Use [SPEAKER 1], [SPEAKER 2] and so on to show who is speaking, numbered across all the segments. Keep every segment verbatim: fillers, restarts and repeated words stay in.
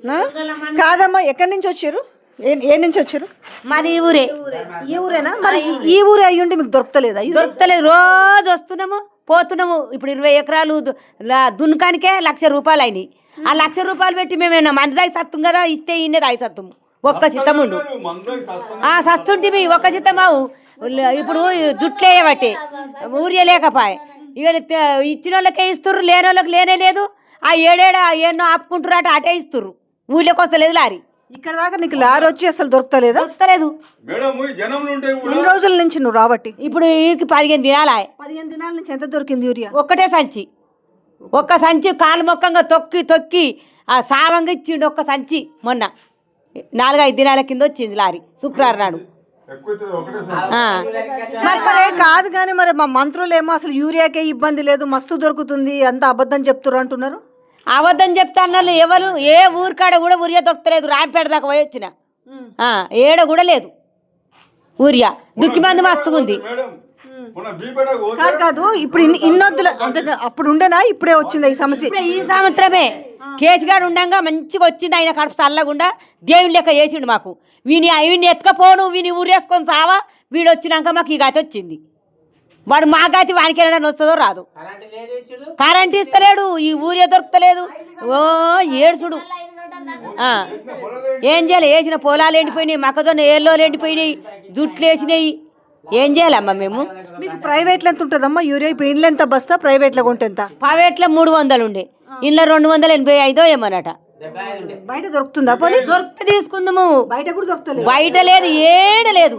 [SPEAKER 1] కాదమ్మా, ఎక్కడి నుంచి వచ్చారు? ఏ నుంచి వచ్చారు?
[SPEAKER 2] మాది ఈ ఊరే.
[SPEAKER 1] ఈ ఊరేనా? మరి ఈ ఊరే అయ్యుండి మీకు దొరకలేదా?
[SPEAKER 2] దొరకలేదు, రోజు వస్తున్నాము పోతున్నాము. ఇప్పుడు ఇరవై ఎకరాలు దున్కానికే లక్ష రూపాయలు అయినాయి. ఆ లక్ష రూపాయలు పెట్టి మేమేనా మంది దాగి సత్తం కదా, ఇస్తే ఇన్నే దాగి సత్తుము. ఒక్క చిత్తముండు సస్తుంటివి, ఒక్క చిత్తమావు. ఇప్పుడు జుట్లే బట్టి ఊరియే లేకపాయ. ఇక ఇచ్చిన వాళ్ళకే ఇస్తుర్రు, లేని వాళ్ళకి లేనే లేదు. ఆ ఏడేడ ఎన్నో ఆపుకుంటారు, అట అటే ఇస్తుర్రు. ఊళ్ళోకి వస్తలేదు లారీ.
[SPEAKER 1] ఇక్కడ దాకా నీకు లారీ వచ్చి అసలు దొరకలేదా?
[SPEAKER 2] దొరకలేదు.
[SPEAKER 1] ఎన్ని రోజుల నుంచి నువ్వు రాబట్టి?
[SPEAKER 2] ఇప్పుడు వీడికి పదిహేను దినాలా.
[SPEAKER 1] పదిహేను దినాల నుంచి ఎంత దొరికింది యూరియా?
[SPEAKER 2] ఒక్కటే సంచి, ఒక్క సంచి కాలు మొక్కంగా తొక్కి తొక్కి ఆ సావంగా ఇచ్చిండు. ఒక్క సంచి మొన్న నాలుగైదు దినాల కింద వచ్చింది లారీ, శుక్రవారం నాడు.
[SPEAKER 1] మరి కాదు కానీ మరి మా మంత్రులు ఏమో అసలు యూరియాకే ఇబ్బంది లేదు, మస్తు దొరుకుతుంది, అంత అబద్ధం చెప్తున్నారు అంటున్నారు.
[SPEAKER 2] అబద్ధం చెప్తాన్నారు ఎవరు? ఏ ఊరికాడ కూడా ఊరియా దొరకలేదు. రాంపేట దాకా పోయి వచ్చిన ఏడ కూడా లేదు ఊరియా. దుక్కి మంది మస్తుగా ఉంది.
[SPEAKER 1] కాదు కాదు ఇప్పుడు ఇన్నొద్దుల అంటే అప్పుడు ఉండేనా, ఇప్పుడే వచ్చింది ఈ సమస్య?
[SPEAKER 2] ఈ సంవత్సరమే కేసుగాడు ఉండంగా మంచిగా వచ్చింది. ఆయన కడుపు చల్లకుండా దేవుని లెక్క చేసిండు మాకు. వీని వీడిని ఎత్తుకపోను, వీని ఊరేసుకొని సావా. వీడు వచ్చినాక మాకు ఈ గాతి వచ్చింది. వాడు మా గాతి వానికి వెళ్ళడానికి వస్తుందో రాదు. కరెంట్ ఇస్తలేడు, ఈ ఊరే దొరుకుతలేదు. ఓ ఏడుసుడు. ఏం చేయాలి? వేసిన పొలాలు ఎండిపోయినాయి, మొక్కజొన్న ఏళ్ళు ఎండిపోయినాయి, జుట్లు వేసినాయి. ఏం చేయాలమ్మా మేము?
[SPEAKER 1] మీకు ప్రైవేట్లో ఎంత ఉంటుందమ్మా యూరియా? ఇప్పుడు ఇంట్లో ఎంత బస్తా? ప్రైవేట్లో కొంటే ఎంత?
[SPEAKER 2] ప్రైవేట్లో మూడు వందలు ఉండే, ఇంట్లో రెండు వందల ఎనభై ఐదో ఏమన్నట.
[SPEAKER 1] బయట దొరుకుతుందా? పోనీ
[SPEAKER 2] దొరికితే తీసుకుందాము.
[SPEAKER 1] బయట కూడా దొరుకుతలేదు.
[SPEAKER 2] బయట లేదు, ఏడ లేదు,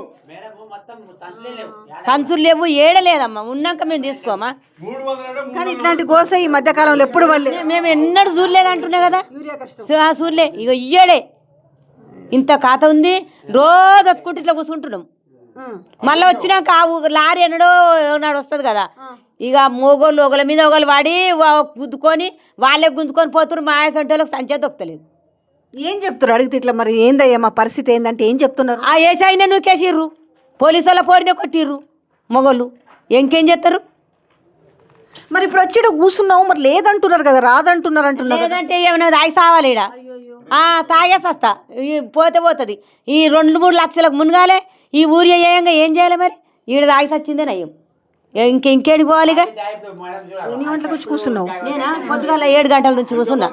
[SPEAKER 2] సంచులు లేవు, ఏడ లేదమ్మా. ఉన్నాక మేము తీసుకోమా.
[SPEAKER 1] కానీ ఇట్లాంటి గోస ఈ మధ్య కాలంలో ఎప్పుడు వాళ్ళు
[SPEAKER 2] మేము ఎన్నడూ చూడలేదు అంటున్నా కదా. చూడలే, ఇక ఇయ్యడే ఇంత ఖాతా ఉంది. రోజు వచ్చుకుంటే ఇట్లా కూర్చుంటున్నాం. మళ్ళీ వచ్చినాక ఆ లారీ ఎన్నడో నాడు వస్తుంది కదా. ఇక మొగోళ్ళు ఒకళ్ళ మీద ఒకళ్ళు వాడి గుద్దుకొని వాళ్ళే గుంజుకొని పోతున్నారు. మా ఆయసంటోళ్ళకి సంచే దొరకలేదు.
[SPEAKER 1] ఏం చెప్తున్నారు అడిగితే? ఇట్లా మరి ఏందయ్యా మా పరిస్థితి ఏందంటే ఏం చెప్తున్నారు?
[SPEAKER 2] ఆ ఏసైనా నూకేసిర్రు, పోలీసు వాళ్ళ పోరినే కొట్టిర్రు మొగోళ్ళు. ఇంకేం చేస్తారు?
[SPEAKER 1] మరి ఇప్పుడు వచ్చి కూర్చున్నావు, మరి లేదంటున్నారు కదా, రాదంటున్నారు అంటున్నారు.
[SPEAKER 2] లేదంటే ఏమైనా తాగి సావాలి ఈడ. తాగేసి వస్తా, పోతే పోతుంది. ఈ రెండు మూడు లక్షలకు మునగాలే ఈ ఊరి అయ్యాంగా ఏం చేయాలి మరి? ఈడ తాగి సచ్చిందే నయ్యం. ఇంక ఇంకేడికి పోవాలి? ఇక
[SPEAKER 1] ఎన్ని గంటలకు వచ్చి కూర్చున్నావు?
[SPEAKER 2] నేనా పొద్దుగాల ఏడు గంటల నుంచి కూర్చున్నా.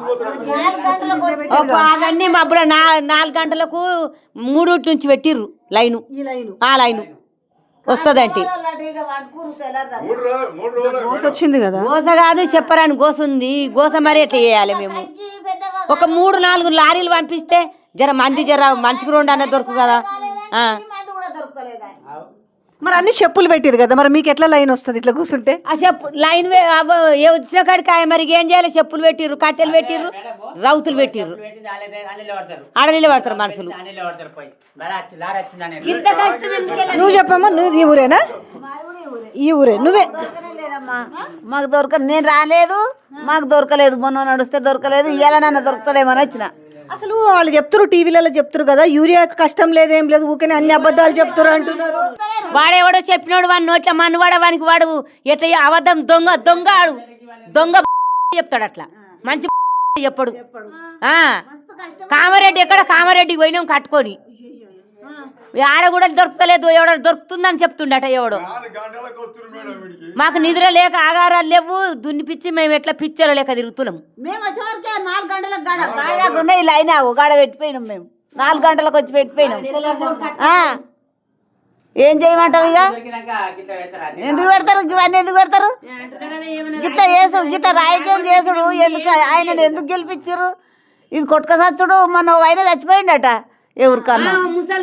[SPEAKER 2] అవన్నీ మబ్బుల నా నాలుగు గంటలకు మూడు నుంచి పెట్టిర్రు లైను. ఆ లైను వస్తుందంటే
[SPEAKER 1] గోస వచ్చింది కదా.
[SPEAKER 2] గోస కాదు చెప్పరాని గోస ఉంది. గోస మరి ఎట్లా చేయాలి మేము? ఒక మూడు నాలుగు లారీలు పంపిస్తే జర మంది జర మనిషికి రెండు అన్న దొరుకు కదా.
[SPEAKER 1] మరి అన్ని చెప్పులు పెట్టిరు కదా, మరి మీకు ఎట్లా లైన్ వస్తుంది ఇట్లా కూర్చుంటే?
[SPEAKER 2] ఆ చెప్పు లైన్ వచ్చిన కాడికి మరి ఏం చేయాలి? చెప్పులు పెట్టిర్రు, కట్టెలు పెట్టిర్రు, రౌతులు పెట్టిర్రు, ఆడలీలు పడతారు మనుషులు.
[SPEAKER 1] నువ్వు చెప్పమ్మా, నువ్వు ఈ ఊరేనా? ఈ ఊరే నువ్వే?
[SPEAKER 3] మాకు దొరక నేను రాలేదు, మాకు దొరకలేదు. మొన్న నడుస్తే దొరకలేదు, ఇవాళ నన్ను దొరకలేమని వచ్చిన.
[SPEAKER 1] అసలు వాళ్ళు చెప్తారు, టీవీలలో చెప్తారు కదా యూరియా కష్టం లేదేం లేదు, ఊరికే అన్ని అబద్ధాలు చెప్తారు అంటున్నారు.
[SPEAKER 2] వాడేవాడో చెప్పినోడు వాడి నోట్ల మన్నువాడ వానికి వాడు ఎట్లా అబద్ధం దొంగ దొంగ ఆడు దొంగ చెప్తాడు. అట్లా మంచి చెప్పడు. కామారెడ్డి ఎక్కడ? కామారెడ్డికి పోయినాం కట్టుకొని, ఆడ కూడా దొరకలేదు. ఎవడో దొరుకుతుందని చెప్తుండట ఎవడో. మాకు నిద్ర లేక ఆగారాలు లేవు, దున్నిపిచ్చి మేము ఎట్లా పిచ్చర్ లేక తిరుగుతున్నాం.
[SPEAKER 3] మేము వచ్చేవరకే నాలుగు గంటలకు గాడ గాడ ఇలా అయినా గాడ పెట్టిపోయినాం. మేము నాలుగు గంటలకు వచ్చి పెట్టిపోయినాం. ఏం చేయమంటావు? ఇక ఎందుకు పెడతారు ఇవన్నీ? ఎందుకు పెడతారు? గిట్లా చేసుడు, గిట్లా రాజకీయం చేసుడు ఎందుకు? ఆయనను ఎందుకు గెలిపించారు? ఇది కొట్టుక సచ్చుడు. మన ఆయన చచ్చిపోయిండట ఎవరికన్నా.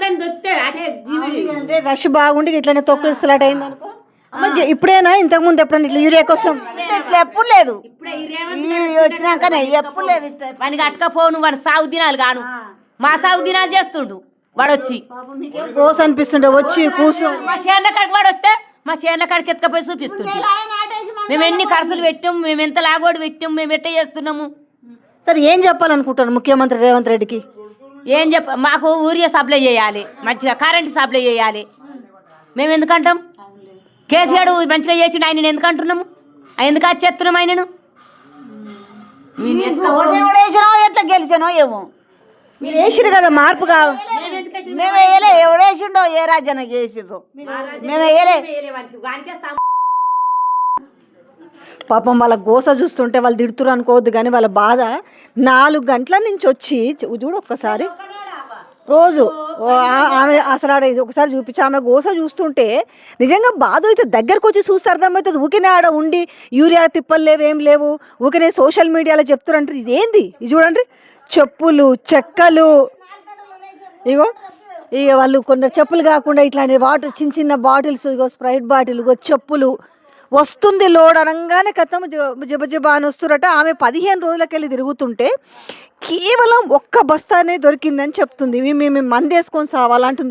[SPEAKER 1] అంటే రష్ బాగుండి ఇట్లనే తొక్కులాట అయింది అనుకో. ఇప్పుడేనా? ఇంతకు ముందు ఎప్పుడైనా ఇట్లా యూరియా కోసం
[SPEAKER 3] ఇట్లా ఎప్పుడు లేదు, వచ్చినాకనే ఎప్పుడు లేదు.
[SPEAKER 2] వానికి అట్టకపోను, వాడు సాగు దినాలు గాను మా సాగు దినాలు చేస్తుండు. వాడు వచ్చి
[SPEAKER 1] కోస అనిపిస్తుండే వచ్చి కూర్చో.
[SPEAKER 2] మా చేనుల కాడికి వాడు వస్తే మా చేనుల కాడికి ఎత్తుకపోయి చూపిస్తుంటే మేము ఎన్ని ఖర్చులు పెట్టాం, మేము ఎంత లాగోడు పెట్టాం, మేము ఎట్ట చేస్తున్నాము.
[SPEAKER 1] సరే ఏం చెప్పాలనుకుంటారు ముఖ్యమంత్రి రేవంత్ రెడ్డికి?
[SPEAKER 2] ఏం చెప్ప మాకు ఊరియా సప్లై చేయాలి, మంచిగా కరెంట్ సప్లై చేయాలి. మేము ఎందుకంటాం? కేసీఆర్ మంచిగా చేసిండు, ఆయన ఎందుకు అంటున్నాము? ఎందుకు వచ్చేస్తున్నాం ఆయనను?
[SPEAKER 3] ఎట్లా గెలిచానో ఏమో
[SPEAKER 1] మీరు వేసిరు కదా మార్పు కావు.
[SPEAKER 3] మేము వేయలే, ఎవడేసిండో ఏ రాజ్యానికి వేసిండ్రు, మేము వేయలే.
[SPEAKER 1] పాపం వాళ్ళ గోస చూస్తుంటే వాళ్ళు తిడుతురు అనుకోవద్దు, కానీ వాళ్ళ బాధ నాలుగు గంటల నుంచి వచ్చి చూ- చూడు ఒక్కసారి రోజు ఓ ఆ- ఆమె అసలు ఆడ ఇది ఒకసారి చూపించి ఆమె గోస చూస్తుంటే నిజంగా బాధ అయితే దగ్గరకు వచ్చి చూస్తే అర్థమవుతుంది. ఊకినే ఆడ ఉండి యూరియా తిప్పలు లేవు, ఏం లేవు, ఊకినే సోషల్ మీడియాలో చెప్తున్నారు అంటారు. ఇదేంది ఇది చూడండి, చెప్పులు చెక్కలు, ఇగో ఇక వాళ్ళు కొందరు చెప్పులు కాకుండా ఇట్లాంటి వాటర్ చిన్న చిన్న బాటిల్స్, ఇగో స్ప్రైట్ బాటిల్, ఇగో చెప్పులు వస్తుంది లోడ్ అనగానే కథం జబ జబా అని వస్తురట. ఆమె పదిహేను రోజులకెళ్ళి తిరుగుతుంటే కేవలం ఒక్క బస్తానే దొరికిందని చెప్తుంది. మేము మేము మందేసుకొని సావాలంటుంది.